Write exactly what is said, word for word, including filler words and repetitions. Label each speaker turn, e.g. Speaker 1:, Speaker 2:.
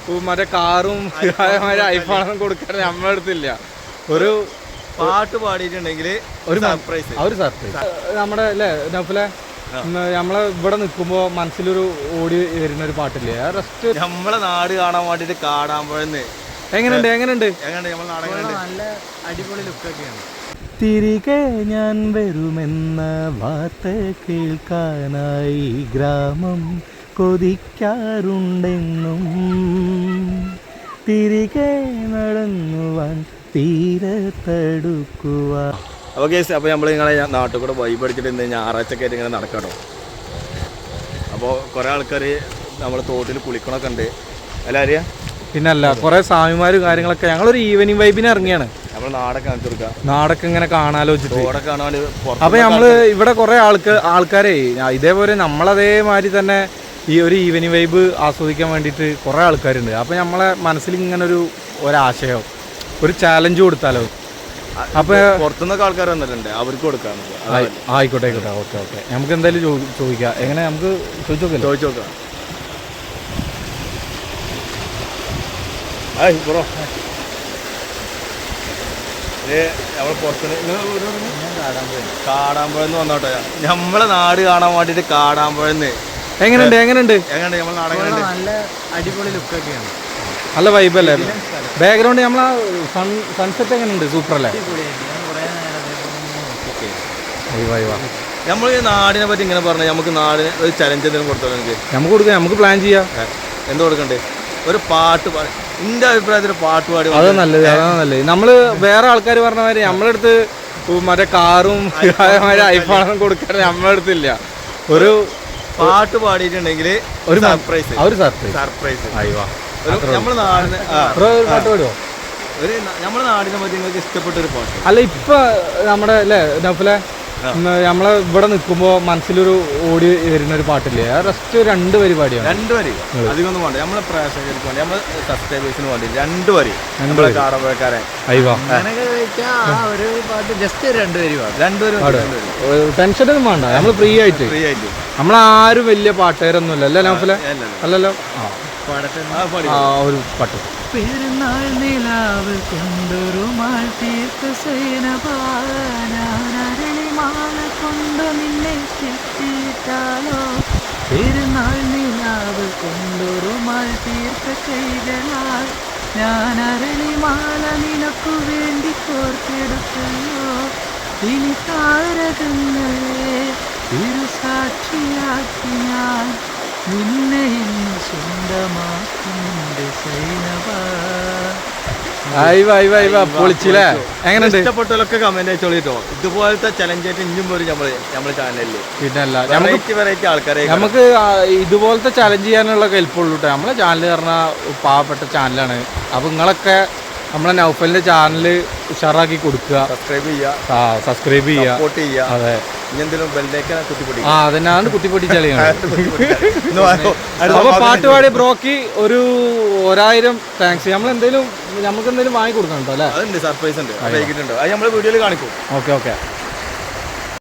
Speaker 1: മറ്റേ കാറും ഐഫോണും കൊടുക്കാൻ നമ്മളെ അടുത്തില്ല. ഒരു
Speaker 2: പാട്ട് പാടിയിട്ടുണ്ടെങ്കിൽ ഒരു സർപ്രൈസ്.
Speaker 1: ഒരു സർപ്രൈസ് നമ്മുടെ അല്ലേ നൗഫലെ, നമ്മളെ ഇവിടെ നിൽക്കുമ്പോ മനസ്സിലൊരു ഓടി വരുന്ന ഒരു പാട്ടില്ലേ, റെസ്റ്റ്
Speaker 2: നമ്മളെ നാട് കാണാൻ വേണ്ടിട്ട് കാണാമ്പോഴെന്ന്
Speaker 1: എങ്ങനെയുണ്ട് എങ്ങനെയുണ്ട്
Speaker 2: എങ്ങനെയുണ്ട് നമ്മളെ നാട്?
Speaker 3: നല്ല അടിപൊളി ലുക്കൊക്കെയാണ്.
Speaker 1: തിരികെ ഞാൻ വരുമെന്ന വാർത്ത കേൾക്കാനായി ഗ്രാമം കൊതിക്കാറുണ്ടെന്നും തിരികെ നടന്നുവാൻ തീരത്തടുക്കുവാൻ.
Speaker 2: അപ്പോൾ കേസ് അപ്പോൾ നമ്മൾ നിങ്ങളെ നാട്ടിൽ കൂടെ വൈബ് അടിച്ചിട്ട് ഇന്ന് ഞായറാഴ്ച ആയിട്ട് ഇങ്ങനെ നടക്കാട്ടോ. അപ്പോൾ കുറേ ആൾക്കാർ നമ്മൾ തോട്ടിൽ കുളിക്കണമൊക്കെ ഉണ്ട് അല്ല അറിയാം.
Speaker 1: പിന്നല്ല കുറേ സ്വാമിമാരും കാര്യങ്ങളൊക്കെ. ഞങ്ങളൊരു ഈവനിങ് വൈബിന് ഇറങ്ങിയാണ്.
Speaker 2: നമ്മൾ നാടൊക്കെ കാണിച്ചു കൊടുക്കുക,
Speaker 1: നാടൊക്കെ ഇങ്ങനെ കാണാലോചിച്ചിട്ട്.
Speaker 2: തോടൊക്കെ കാണാൻ.
Speaker 1: അപ്പോൾ നമ്മൾ ഇവിടെ കുറേ ആൾക്ക് ആൾക്കാരെ ഇതേപോലെ നമ്മളതേമാതിരി തന്നെ ഈ ഒരു ഈവനിങ് വൈബ് ആസ്വദിക്കാൻ വേണ്ടിയിട്ട് കുറേ ആൾക്കാരുണ്ട്. അപ്പോൾ നമ്മളെ മനസ്സിൽ ഇങ്ങനെ ഒരു ഒരാശയം, ഒരു ചാലഞ്ച് കൊടുത്താലോ. അപ്പോൾ
Speaker 2: പുറത്തുനിന്നൊക്കെ ആൾക്കാർ വന്നിട്ടുണ്ട്, അവർക്ക് കൊടുക്കാം.
Speaker 1: ആയിക്കോട്ടെ ആയിക്കോട്ടെ ഓക്കെ ഓക്കെ നമുക്ക് എന്തായാലും ചോദിക്കാം. എങ്ങനെ നമുക്ക് ചോദിച്ചു നോക്കാം
Speaker 2: ചോദിച്ചു നോക്കാം. ബ്രോ നമ്മൾ പുറത്തുനിന്ന് കാടാമ്പുഴന്ന് വന്നോട്ടെ. നമ്മളെ നാട് കാണാൻ വേണ്ടിട്ട് കാടാമ്പുഴന്ന്.
Speaker 1: എങ്ങനെയുണ്ട് എങ്ങനെയുണ്ട്
Speaker 2: എങ്ങനെയുണ്ട് നമ്മളെ നാട്?
Speaker 3: നല്ല അടിപൊളി ലുക്കൊക്കെയാണ്.
Speaker 1: നല്ല വൈബ് അല്ലേ? ബാക്ക്ഗ്രൗണ്ട് നമ്മളെ സൺ സൺസെറ്റ് എങ്ങനെയുണ്ട്? സൂപ്പർ അല്ലേ?
Speaker 2: നമ്മൾ ഈ നാടിനെ പറ്റി ഇങ്ങനെ പറഞ്ഞാൽ നമുക്ക് നാടിന് ഒരു ചലഞ്ച് എന്തെങ്കിലും കൊടുത്തോ? എനിക്ക്
Speaker 1: നമുക്ക് കൊടുക്കാം, നമുക്ക് പ്ലാൻ ചെയ്യാം.
Speaker 2: എന്ത് കൊടുക്കണ്ടേ? ഒരു പാട്ട് പാടി, എൻ്റെ അഭിപ്രായത്തിൽ പാട്ട് പാടി.
Speaker 1: അതാ നല്ലത്, അതാ നല്ലത്. നമ്മള് വേറെ ആൾക്കാർ പറഞ്ഞ മാതിരി നമ്മളെ അടുത്ത് മറ്റേ കാറും ഐഫോണും കൊടുക്കാൻ നമ്മളെ അടുത്തില്ല. ഒരു
Speaker 2: പാട്ട് പാടിയിട്ടുണ്ടെങ്കിൽ ഒരു സർപ്രൈസ്.
Speaker 1: ഒരു സർപ്രൈസ്
Speaker 2: സർപ്രൈസ്
Speaker 1: അയ്യോ.
Speaker 2: നമ്മുടെ നാടിന്
Speaker 1: പാട്ട് പാടുവോ?
Speaker 2: ഒരു നമ്മുടെ നാടിനെ പറ്റി നിങ്ങൾക്ക് ഇഷ്ടപ്പെട്ട ഒരു പാട്ട്?
Speaker 1: അല്ല ഇപ്പൊ നമ്മുടെ അല്ലേ നൗഫലെ, നമ്മളെ ഇവിടെ നിൽക്കുമ്പോ മനസ്സിലൊരു ഓടി വരുന്ന ഒരു പാട്ടില്ലേ, റെസ്റ്റ് രണ്ട് വരി പാടിയാണ്.
Speaker 2: രണ്ട് വരി അധികമൊന്നും വേണ്ട. നമ്മളെ പ്രേക്ഷകർക്ക് വേണ്ടി, നമ്മളെ സബ്സ്ക്രൈബേഴ്സിന് വേണ്ടി രണ്ട് വരി. കാടമ്പുഴക്കാരൻ
Speaker 1: അയ്യോ
Speaker 3: ഒരു പാട്ട് ജസ്റ്റ് രണ്ടുപേരും
Speaker 2: രണ്ടുപേരും
Speaker 1: ടെൻഷനൊന്നും വേണ്ട. നമ്മൾ ഫ്രീ ആയിട്ട്
Speaker 2: ഫ്രീ ആയിട്ട്
Speaker 1: നമ്മളാരും വലിയ പാട്ടുകാരൊന്നുമില്ല അല്ലേ നൗഫലെ? അല്ലല്ലോ. ആ ഒരു പാട്ട്.
Speaker 3: പെരുന്നാൾ നിലാവ് കൊണ്ടൊരു മാല കൊണ്ട് നിന്നെ ചുറ്റിയിട്ടാലോ. പെരുന്നാൾ നിലാവ് കൊണ്ടൊരു മാൽ തീർത്ത കൈകളാൽ ഞാൻ അരളിമാല നിനക്കു വേണ്ടി കോർത്തെടുത്തല്ലോ. ഇനി താരകങ്ങളെ തിരുസാക്ഷിയാക്കി ഞാൻ നിന്നെ ഇന്ന് സ്വന്തമാക്കുന്നുണ്ട് സൈനവ.
Speaker 1: പൊളിച്ചില്ലേ? എങ്ങനെയുണ്ട്?
Speaker 2: ഇഷ്ടപ്പെട്ടവരൊക്കെ കമന്റ് അയച്ചോളിട്ടോ. ഇതുപോലത്തെ ചലഞ്ച് ആയിട്ട് ഇനിയും വരും നമ്മള് നമ്മുടെ ചാനലില്.
Speaker 1: പിന്നല്ല
Speaker 2: വെറൈറ്റി വെറൈറ്റി ആൾക്കാരെ
Speaker 1: നമുക്ക് ഇതുപോലത്തെ ചലഞ്ച് ചെയ്യാനുള്ള കെൽപ്പുള്ളൂ കേട്ടോ. നമ്മളെ ചാനൽ പറഞ്ഞാൽ പാവപ്പെട്ട ചാനലാണ്. അപ്പൊ നിങ്ങളൊക്കെ നമ്മളെ നൗഫലിന്റെ ചാനൽ ഉഷാറാക്കി കൊടുക്കുക,
Speaker 2: സബ്സ്ക്രൈബ് ചെയ്യുക,
Speaker 1: സബ്സ്ക്രൈബ് ചെയ്യുക,
Speaker 2: സപ്പോർട്ട് ചെയ്യുക.
Speaker 1: അതെ,
Speaker 2: എന്തെങ്കിലും ബെല്ലേക്ക് കുത്തിപ്പൊടി.
Speaker 1: ആ അതന്നെയാണ് കുത്തിപ്പൊട്ടി ചളിയാണ്. അപ്പൊ പാട്ടുപാടി ബ്രോക്ക് ഒരു ഒരായിരം താങ്ക്സ്. നമ്മൾ എന്തെങ്കിലും നമുക്ക് എന്തെങ്കിലും വാങ്ങി കൊടുക്കണം കേട്ടോ അല്ലേ?
Speaker 2: അതുണ്ട്, സർപ്രൈസ് ഉണ്ട്, വൈകിട്ടുണ്ടോ? അത് നമ്മൾ വീഡിയോയിൽ കാണിക്കും.
Speaker 1: Okay okay.